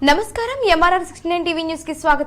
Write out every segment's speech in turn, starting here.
నమస్కారం MRR 69 TV news కి స్వాగతం.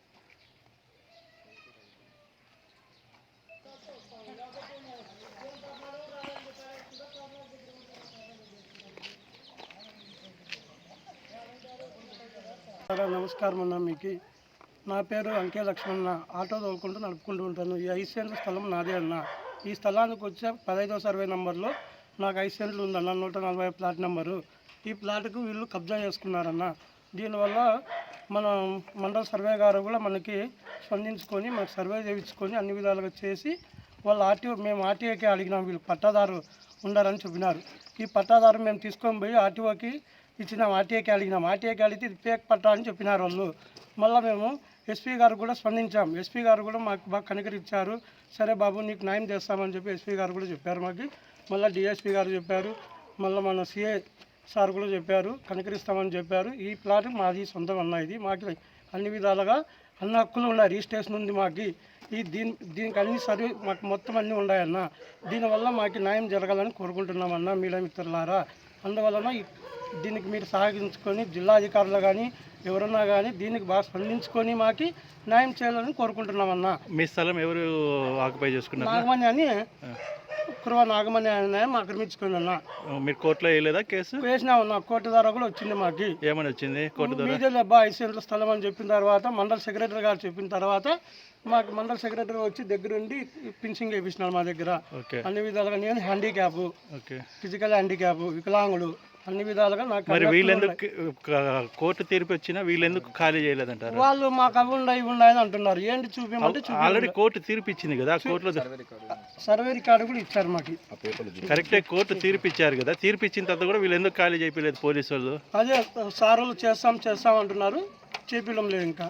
నమస్కారం అన్న. మీకు నా పేరు అంకే లక్ష్మణ. ఆటో తోలుకుంటూ నడుపుకుంటూ ఉంటాను. ఈ 5 సెంట్ల స్థలం నాదే అన్న. ఈ స్థలానికి వచ్చే 15వ సర్వే నెంబర్లో నాకు 5 సెంట్లు ఉందన్న, 140 ప్లాట్ నెంబరు. ఈ ప్లాట్కు వీళ్ళు కబ్జా చేసుకున్నారన్న. దీనివల్ల మన మండల సర్వే గారు కూడా మనకి స్పందించుకొని మనకు సర్వే చేయించుకొని అన్ని విధాలుగా చేసి వాళ్ళు మేము ఆర్టీఓకి అడిగినాం. వీళ్ళు పట్టాదారు ఉండాలని చెప్పినారు. ఈ పట్టాదారు మేము తీసుకొని పోయి ఆర్టీఓకి ఇచ్చినాం. ఆర్టీఐకి అడిగినాం. ఆర్టీఐకి అడిగితే ఇది ఫేక్ పట్టా అని చెప్పినారు వాళ్ళు. మళ్ళీ మేము ఎస్పీ గారు కూడా స్పందించాం. ఎస్పీ గారు కూడా మాకు బాగా కనికరించారు. సరే బాబు నీకు న్యాయం చేస్తామని చెప్పి ఎస్పీ గారు కూడా చెప్పారు మాకు. మళ్ళీ డిఎస్పీ గారు చెప్పారు. మళ్ళీ మన సిఐ సార్ కూడా చెప్పారు, కనికరిస్తామని చెప్పారు. ఈ ప్లాట్ మాది సొంతం అన్న. ఇది మాకు అన్ని విధాలుగా అన్ని హక్కులు ఉన్నాయి. రిజిస్ట్రేషన్ ఉంది మాకు. దీనికి అన్ని సర్వే మాకు మొత్తం అన్నీ ఉన్నాయన్న. దీనివల్ల మాకు న్యాయం జరగాలని కోరుకుంటున్నామన్నా మీడియా మిత్రులారా. అందువలన దీనికి మీరు సహకరించుకొని జిల్లా అధికారులు కానీ ఎవరన్నా కానీ దీనికి బాగా స్పందించుకొని మాకు న్యాయం చేయాలని కోరుకుంటున్నామన్నా. మీ స్థలం ఎవరు ఆక్యుపై చేసుకున్నారు? నాగమణి అని కురవ నాగమణి అని ఆక్రమించుకుంది అన్న. మీరు కోర్టులో వేయలేదా కేసు? వేసినామన్నా. కోర్టు ద్వారా కూడా వచ్చింది మాకు. ఏమని వచ్చింది కోర్టు ద్వారా? మీదే అబ్బా 5 సెంట్ల స్థలం అని చెప్పిన తర్వాత మండల సెక్రటరీ గారు చెప్పిన తర్వాత మాకు మండల సెక్రటరీ వచ్చి దగ్గరుండి పింఛింగ్ వేయించినారు మా దగ్గర. అన్ని విధాలుగా నేను హ్యాండిక్యాప్, ఫిజికల్ హ్యాండిక్యాప్, వికలాంగుడు, అన్ని విధాలుగా నాకు. మరి వీళ్ళెందుకు కోర్టు తీర్పు వచ్చినా వీళ్ళెందుకు ఖాళీ చేయలేదంటారు? వాళ్ళు మాకు అవి ఉన్నాయి అని అంటున్నారు. ఏంటి చూపించమంటే ఆల్రెడీ కోర్టు తీర్పు ఇచ్చింది కదా. కోర్టులో సర్వే రికార్డు కూడా ఇచ్చారు మాకు. కరెక్టే, కోర్టు తీర్పు ఇచ్చారు కదా. తీర్పు ఇచ్చిన తర్వాత కూడా వీళ్ళు ఎందుకు ఖాళీ చేయలేదు పోలీసు వాళ్ళు? అదే సార్ వాళ్ళు చేస్తాం అంటున్నారు. చేపిలం లేదు ఇంకా.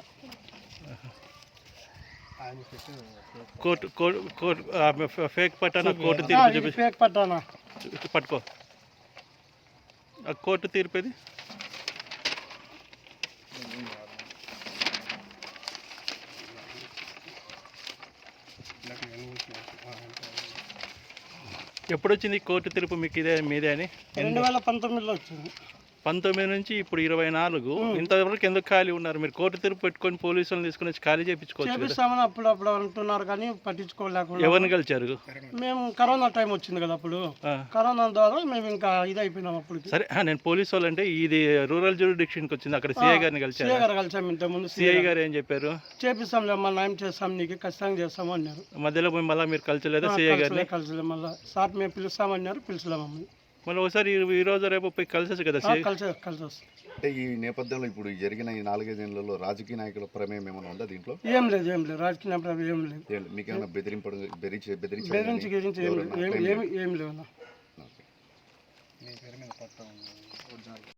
కోర్టు ఫేక్ పట్టానా? కోర్టు తీర్పు ఫేక్ పట్టానా? పట్టుకో. కోర్టు తీర్పు ఇది. ఎప్పుడు వచ్చింది కోర్టు తీర్పు మీకు మీదే అని? 2019లో వచ్చింది. 19 నుంచి ఇప్పుడు 24. ఇంతవరకు ఎందుకు ఖాళీ ఉన్నారు? మీరు కోర్టు తీర్పు పెట్టుకొని పోలీసులను తీసుకుని వచ్చి ఖాళీ చేయించుకోవచ్చు. అప్పుడప్పుడు అంటున్నారు కానీ పట్టించుకోలేకుండా. ఎవరిని కలిచారు? మేము కరోనా టైం వచ్చింది కదా, అప్పుడు కరోనా ద్వారా మేము ఇంకా ఇది అయిపోయినాం. అప్పుడు సరే, నేను పోలీసు వాళ్ళు అంటే ఇది రూరల్ జ్యూరిడిక్షన్కి వచ్చింది. అక్కడ సిఐ గారిని కలిసారు. సిఐ గారు కలిసాము ఇంతకుముందు. సిఐ గారు ఏం చెప్పారు? చేపిస్తాంలే అమ్మా, న్యాయం చేస్తాం, నీకు ఖచ్చితంగా చేస్తాము అన్నారు. మధ్యలో మళ్ళీ మీరు కలిసలేదా సిఐ గారిని? కలిసలే. మళ్ళీ సార్ మేము పిలుస్తామన్నారు, పిలిచలేమమ్మా. మళ్ళీ ఒకసారి ఈ రోజు రేపు పోయి కలిసేసి కదా కలిసి అంటే ఈ నేపథ్యంలో ఇప్పుడు జరిగిన ఈ 4-5 ఏళ్లలో రాజకీయ నాయకుల ప్రమేయం ఏమైనా ఉందా దీంట్లో? ఏం లేదు. రాజకీయ ప్రమేయం ఏం లేదు. మీకేమైనా బెదిరించి ఏం లేవు.